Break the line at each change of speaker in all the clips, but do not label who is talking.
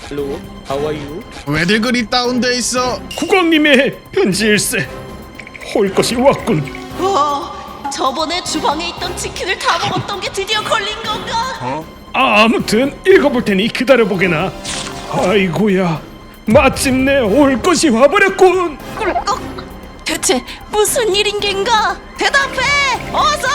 Hello, how are you?
왜들 그리 다운돼 있어?
국왕님의 편지일세. 올 것이 왔군.
저번에 주방에 있던 치킨을 다 먹었던 게 드디어 걸린 건가?
아무튼 읽어볼 테니 기다려보게나. 아이고야, 마침내 올 것이 와버렸군.
꿀꺽. 대체 무슨 일인 겐가? 대답해! 어서!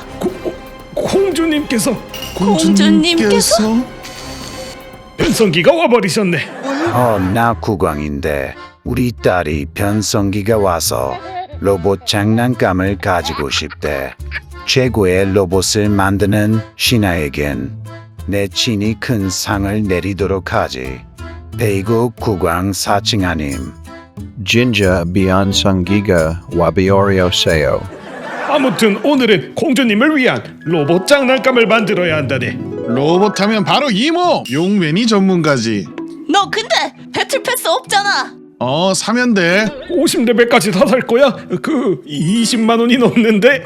공주님께서
공주님께서?
변성기가 와버리셨네.
나 국왕인데 우리 딸이 변성기가 와서 로봇 장난감을 가지고 싶대. 최고의 로봇을 만드는 신하에겐 내 친히 큰 상을 내리도록 하지. 대국 국왕 사칭하님.
진짜 변성기가 와버렸어요.
아무튼 오늘은 공주님을 위한 로봇 장난감을 만들어야 한다네.
로봇 하면 바로 이모! 용맨이 전문가지.
너 근데 배틀 패스 없잖아.
사면 돼.
50레벨까지 다 살 거야? 그 20만 원이 넘는데?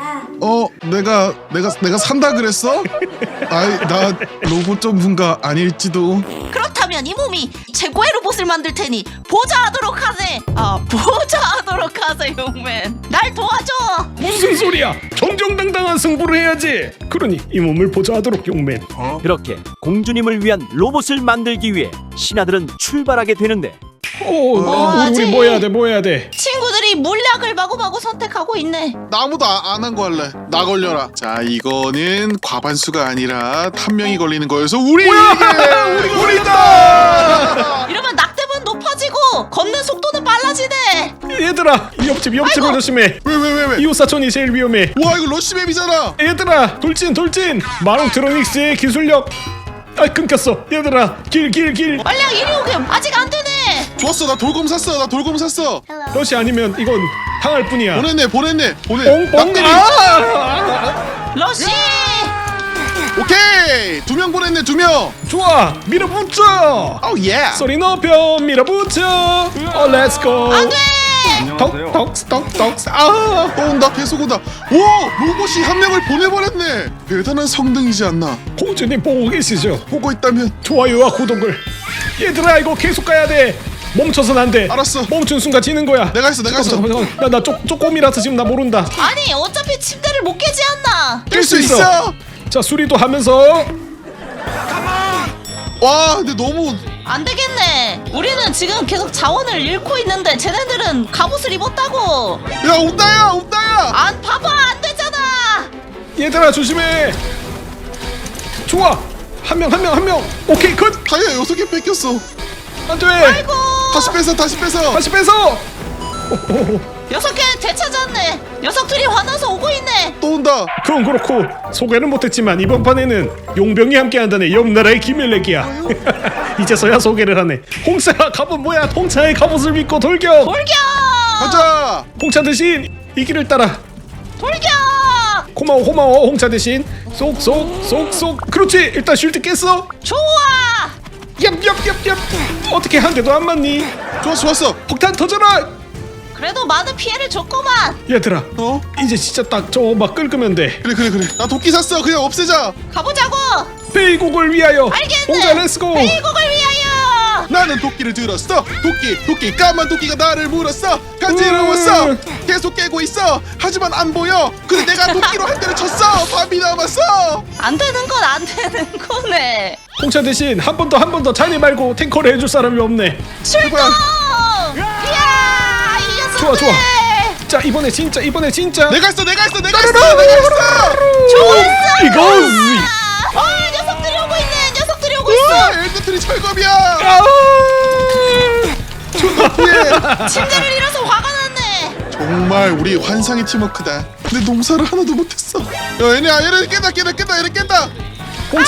내가 산다 그랬어? 아이, 나 로봇 전문가 아닐지도.
그렇다면 이 몸이 최고의 로봇을 만들 테니 보좌하도록 하세. 보좌하도록 하세, 용맨. 날 도와줘.
무슨 소리야? 정정당당한 승부를 해야지. 그러니 이 몸을 보좌하도록 용맨.
그렇게 공주님을 위한 로봇을 만들기 위해 신하들은 출발하게 되는데
우리 뭐 해야 돼?
친구들이 물약을 마구마구 선택하고 있네.
나 아무도 안 한 거 할래. 나 걸려라. 자, 이거는 과반수가 아니라 한 명이 걸리는 거여서 우리다!
이러면 낙대분 높아지고 걷는 속도는 빨라지네.
얘들아, 옆집을 조심해.
왜?
이웃 사촌이 제일 위험해.
와, 이거 러시맵이잖아.
얘들아, 돌진. 마롱트로닉스의 기술력. 끊겼어. 얘들아, 길.
빨리 이리 오게. 아직 안 되네.
좋았어, 나 돌검 샀어.
러시 아니면 이건 당할 뿐이야.
보냈네.
뽕뽕.
러시.
오케이, 2명 보냈네, 2명.
좋아, 밀어붙여.
예.
소리 높여 밀어붙여. 렛츠고.
안돼.
덕스.
또 온다, 계속 온다. 오, 로봇이 한 명을 보내버렸네. 대단한 성능이지 않나.
공주님 보고 계시죠?
보고 있다면.
좋아요와 구독을. 얘들아, 이거 계속 가야 돼. 멈춰선 안 돼.
알았어.
멈춘 순간 지는 거야.
내가 했어.
잠깐만. 나 쪼꼬미라서 지금 나 모른다.
아니 어차피 침대를 못 깨지 않나.
깰 수 있어.
자, 수리도 하면서.
와, 근데 너무.
안 되겠네. 우리는 지금 계속 자원을 잃고 있는데 쟤네들은 갑옷을 입었다고.
야, 온다야.
안 봐봐, 안 되잖아.
얘들아, 조심해. 좋아. 한 명. 오케이, 컷.
다이아 6개 뺏겼어.
안 돼.
아이고.
다시 뺏어.
다시 빼서.
6개 되찾았네. 녀석들이 화나서 오고 있네.
또 온다.
그건 그렇고 소개는 못했지만 이번 판에는 용병이 함께한다네. 옆나라의 기밀렉이야. 이제서야 소개를 하네. 홍차 갑옷 뭐야? 홍차의 갑옷을 믿고 돌격.
가자.
홍차 대신 이 길을 따라.
돌격.
고마워 홍차 대신 쏙. 그렇지. 일단 쉴드 깼어.
좋아.
얍. 어떻게 한 대도 안 맞니?
좋았어.
폭탄 터져라.
그래도 많은 피해를 줬구만.
얘들아, 이제 진짜 딱 저 막 긁으면 돼.
그래. 나 도끼 샀어. 그냥 없애자.
가보자고.
베이국을 위하여.
알겠네.
홍차 렛츠고.
베이국을 위하여.
나는 도끼를 들었어. 도끼 까만 도끼가 나를 물었어. 간지러웠어. 계속 깨고 있어. 하지만 안 보여. 근데 내가 도끼로 한 대를 쳤어. 밤이 남았어.
안 되는 건 안 되는 거네.
홍차 대신 한 번 더 자네 말고 탱커를 해줄 사람이 없네.
출동. 이야, 이 녀석들.
좋아. 자, 이번에 진짜.
내가 했어.
좋았어.
이거지.
녀석들이 오고
우와,
있어.
엘드트리 철검이야.
침대를 잃어서 화가 났네.
정말 우리 환상의 팀워크다. 근데 농사를 하나도 못했어. 야, 얘네 깬다.
홍차.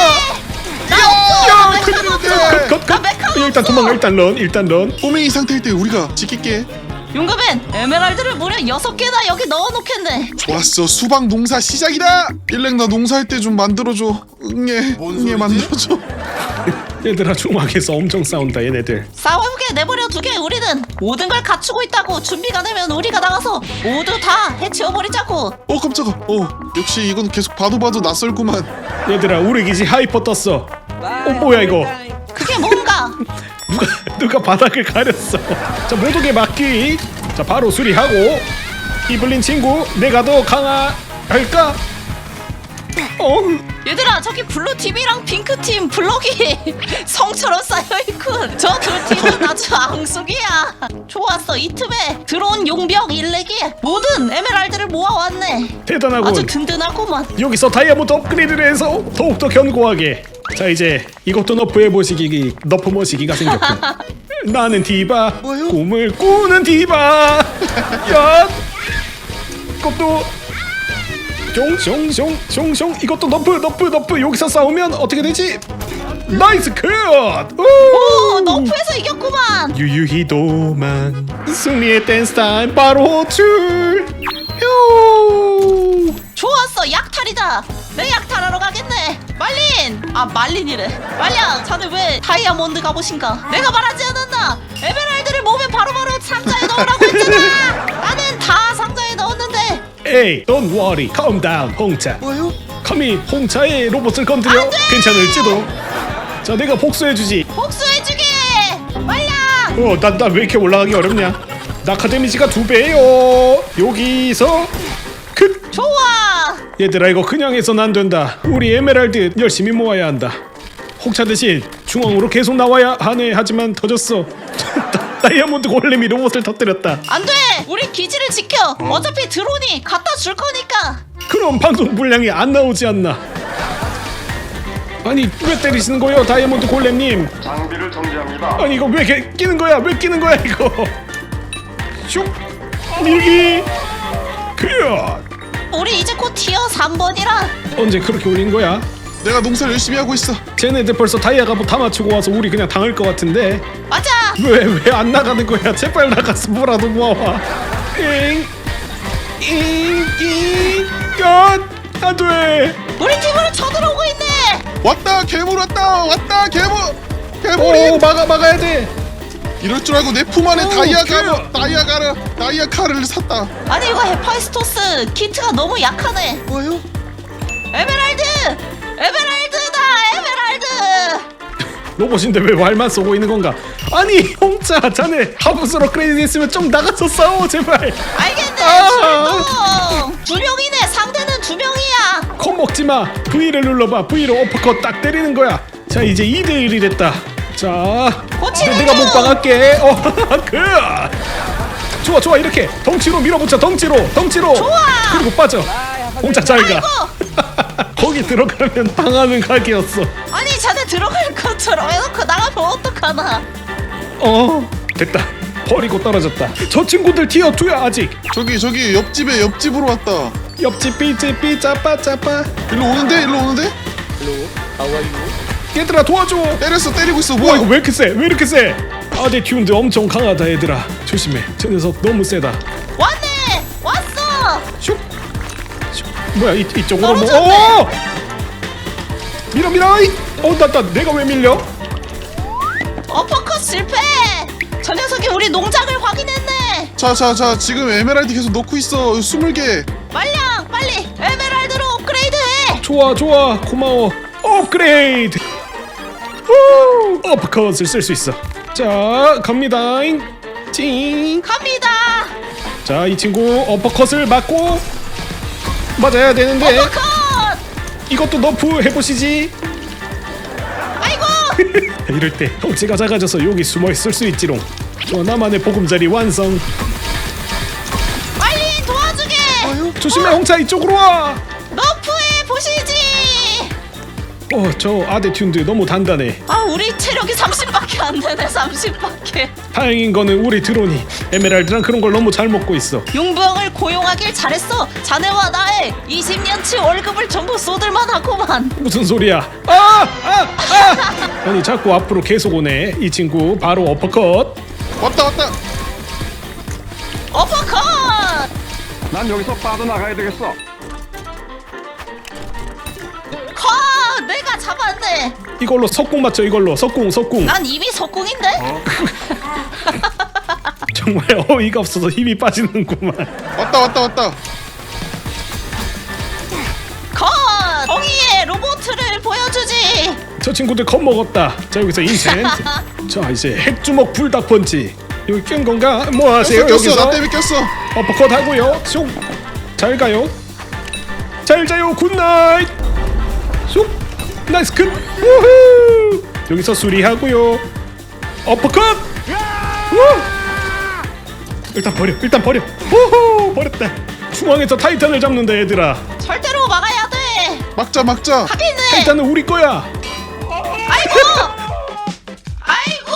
야, 큰일 났네.
컷. 일단 도망가. 일단 런.
꼬맹이 상태일 때 우리가 지킬게.
용감엔 에메랄드를 무려 6개나 여기 넣어놓겠네.
좋았어. 수박 농사 시작이다. 일렉 나 농사할 때 좀 만들어줘. 응애 만들어줘.
얘들아, 중앙에서 엄청 싸운다 얘네들.
싸우게 내버려 두게. 우리는 모든 걸 갖추고 있다고. 준비가 되면 우리가 나가서 모두 다 해치워버리자고.
깜짝아. 역시 이건 계속 봐도 낯설구만.
얘들아, 우리 기지 하이퍼 떴어. 뭐야 이거?
그게 뭔가?
누가 바닥을 가렸어. 자, 모독에 맞기. 자, 바로 수리하고. 이블린 친구, 내가 더 강할까?
얘들아, 저기 블루 팀이랑 핑크 팀 블럭이 성처럼 쌓여있군. 저 두 팀은 아주 앙숙이야. 좋았어. 이 틈에 들어온 용병 일렉이 모든 에메랄드를 모아왔네.
대단하군.
아주 든든하구만.
여기서 다이아몬드 업그레이드를 해서 더욱더 견고하게. 자, 이제 이것도 너프 머시기가 생겼군. 나는 디바,
뭐요?
꿈을 꾸는 디바. 야, 이것도 숑숑숑숑숑. 이것도 너프. 여기서 싸우면 어떻게 되지? 나이스 컷.
오, 너프에서 이겼구만.
유유히 도망. 승리의 댄스 타임 바로 호출. 휴.
좋았어. 약탈이다. 내 약탈하러 가겠네. 말린이래. 말량, 자네 왜 다이아몬드 갑옷인가? 내가 말하지 않았나? 에메랄드를 몸에 바로바로 상자에 넣으라고 했잖아. 나는 다 상자에 넣었는데.
에이, don't worry, calm down, 홍차.
뭐요?
감히 홍차의 로봇을 건드려?
안 돼!
괜찮을지도. 자, 내가 복수해주지.
복수해주게. 말량.
나 왜 이렇게 올라가기 어렵냐? 낙하 데미지가 2배요. 여기서
좋아.
얘들아, 이거 그냥 해선 안 된다. 우리 에메랄드 열심히 모아야 한다. 홍차 대신 중앙으로 계속 나와야 하네. 하지만 터졌어. 다이아몬드 골렘이 로봇을 터뜨렸다.
안 돼. 우리 기지를 지켜. 어차피 드론이 갖다 줄 거니까.
그럼 방송 분량이 안 나오지 않나? 아니, 왜 때리시는 거예요, 다이아몬드 골렘님?
장비를 정지합니다.
아니, 이거 왜 끼는 거야? 왜 끼는 거야, 이거? 슉! 밀기! 그
우리 이제 곧 티어 3번이라.
언제 그렇게 올린 거야?
내가 농사를 열심히 하고 있어.
쟤네들 벌써 다이아 갑옷 다 맞추고 와서 우리 그냥 당할 것 같은데.
맞아.
왜 안 나가는 거야? 제발 나가서 뭐라도 모아와. 안 돼.
우리 팀으로 쳐들어오고 있네.
왔다 괴물 왔다 괴물이.
막아야 돼.
이럴 줄 알고 내 품 안에
오,
다이아 칼을 샀다.
아니, 이거 헤파이스토스 키트가 너무 약하네.
뭐요?
에메랄드다. 에메랄드.
로봇인데 왜 말만 쏘고 있는 건가? 아니, 홍차, 자네 하부스 업그레이드 했으면 좀 나가서 싸워, 제발.
알겠네.
아.
출동. 2명이네. 상대는 2명이야.
겁먹지 마. V를 눌러봐. V로 어퍼컷 딱 때리는 거야. 자, 이제 2대1이 됐다. 자,
고치는
내가
중.
못방할게. 좋아. 이렇게 덩치로 밀어붙여. 덩치로.
좋아.
그리고 빠져. 홍차 잘 가.
아이고.
거기 들어가면 당하는 각이었어.
아니, 자네 들어갈 것처럼 해놓고 나가면 어떡하나.
됐다. 버리고 떨어졌다. 저 친구들 티어 2야 아직.
저기 옆집으로 왔다.
옆집 삐찌삐 짜빠짜빠.
일로 오는데?
얘들아, 도와줘.
때리고 있어.
와,
뭐야?
이거 왜 이렇게 세? 아대 튠드 엄청 강하다. 얘들아, 조심해. 저 녀석 너무 세다.
왔네. 왔어.
슉. 뭐야, 이쪽으로
떨어졌네.
밀어. 내가 왜 밀려?
어퍼컷 실패. 저 녀석이 우리 농장을 확인했네.
자, 지금 에메랄드 계속 넣고 있어. 20개.
말량, 빨리 에메랄드로 업그레이드해.
좋아, 고마워. 업그레이드. 어퍼컷을 쓸 수 있어. 자, 갑니다잉. 찡.
갑니다.
자, 이 친구 어퍼컷을 맞고 맞아야 되는데
어퍼컷.
이것도 너프 해보시지.
아이고.
이럴 때 덩치가 작아져서 여기 숨어 있을 수 있지롱. 좋아, 나만의 보금자리 완성.
빨리 도와주게.
조심해, 홍차, 이쪽으로 와.
너프해 보시지.
저 아대 튠드 너무 단단해.
아, 우리 체력이 30밖에 안 되네. 30밖에.
다행인 거는 우리 드론이 에메랄드랑 그런 걸 너무 잘 먹고 있어.
용병을 고용하길 잘했어. 자네와 나의 20년치 월급을 전부 쏟을만 하구만.
무슨 소리야? 아니, 자꾸 앞으로 계속 오네. 이 친구 바로 어퍼컷.
왔다.
어퍼컷.
난 여기서 빠져나가야 되겠어.
컷. 내가 잡았네.
이걸로 석궁 맞춰. 이걸로 석궁.
난 이미 석궁인데.
정말 어이가 없어서 힘이 빠지는구만.
왔다.
컷. 정의의 로봇을 보여주지.
저 친구들 겁먹었다. 자 여기서 인챈트. 자 이제 핵주먹 불닭펀치. 여기 깬 건가? 뭐 하세요
꼈어
여기서?
나 때문에 꼈어.
어퍼컷 하고요. 쑥. 잘 가요. 잘 자요. 굿나잇. 쑥. 나이스 컷. 우후. 여기서 수리하고요. 어퍼컷. 우. 일단 버려. 일단 버려. 우후. 버렸다. 중앙에서 타이탄을 잡는다 얘들아.
절대로 막아야 돼.
막자 막자.
하비는.
타이탄은 우리 거야.
아이고. 아이고.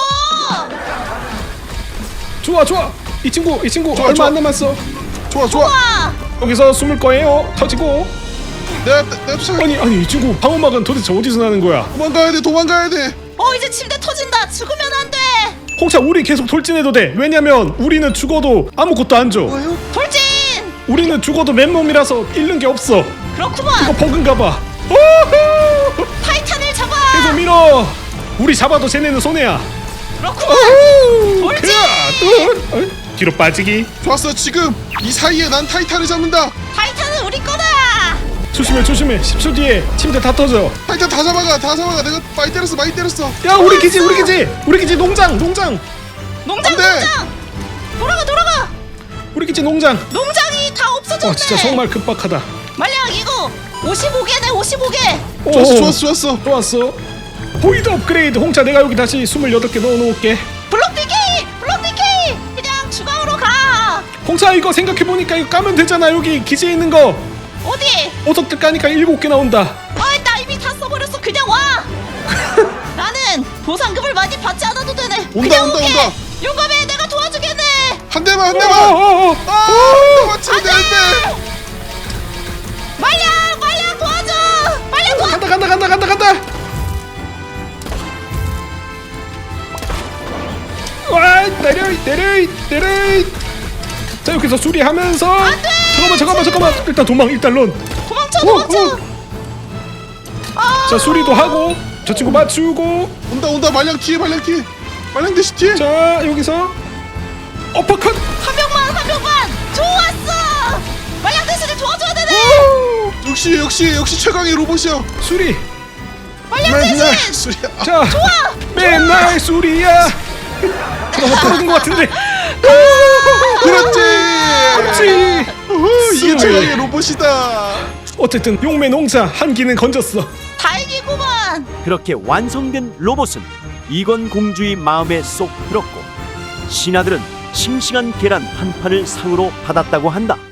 좋아 좋아. 이 친구
좋아,
얼마
좋아.
안 남았어.
좋아 좋아.
와.
여기서 숨을 거예요. 터지고.
내가 쫓아.
아니 이 친구 방어막은 도대체 어디서 나는 거야?
도망가야 돼 도망가야 돼.
이제 침대 터진다. 죽으면 안 돼.
홍차 우리 계속 돌진해도 돼. 왜냐면 우리는 죽어도 아무것도 안 줘.
돌진.
우리는 죽어도 맨몸이라서 잃는 게 없어. 이거
그렇구만.
버그인가 봐. 오호!
타이탄을 잡아.
계속 밀어. 우리 잡아도 쟤네는 손해야.
그렇구만. 돌진.
뒤로 빠지기.
좋았어 지금 이 사이에 난 타이탄을 잡는다.
타이탄은 우리 거다.
조심해 10초 뒤에 침대 다 터져.
타이탄 다 잡아가 내가 많이 때렸어.
야 우리 기지 농장.
농장.
안 돼.
돌아가.
우리 기지 농장.
농장이 다 없어졌네.
진짜 정말 급박하다.
말량 이거 55개네 55개.
오,
좋았어.
보이드 업그레이드. 홍차 내가 여기 다시 28개 넣어놓을게.
블록디키 그냥 주방으로 가.
홍차 이거 생각해보니까 이거 까면 되잖아. 여기 기지에 있는 거
어디?
오석들 까니까 7개 나온다.
나 이미 다 써버렸어. 그냥 와. 나는 보상금을 많이 받지 않아도 되네. 그냥 오게. 용감해. 내가 도와주겠네.
한 대만
어.
맞추면 되는데.
말량 도와줘. 말량 도와줘.
간다. 와 내려. 자 여기서 수리하면서. 잠깐만. 일단 런.
도망쳐.
자 수리도 하고 저 친구 맞추고.
온다 말량 대신 뒤에.
자 여기서 어퍼컷.
한 명만. 좋았어. 말량 대신에 도와줘야 되네.
역시 최강의 로봇이야.
수리.
말량 대신.
수리야.
자 맨날 수리야. 잠깐만 떨어진 것 같은데.
그렇지. 이게
수리.
최강의 로봇이다.
어쨌든 용매 농사 한 기는 건졌어.
다행이구만.
그렇게 완성된 로봇은 이건 공주의 마음에 쏙 들었고 신하들은 싱싱한 계란 한 판을 상으로 받았다고 한다.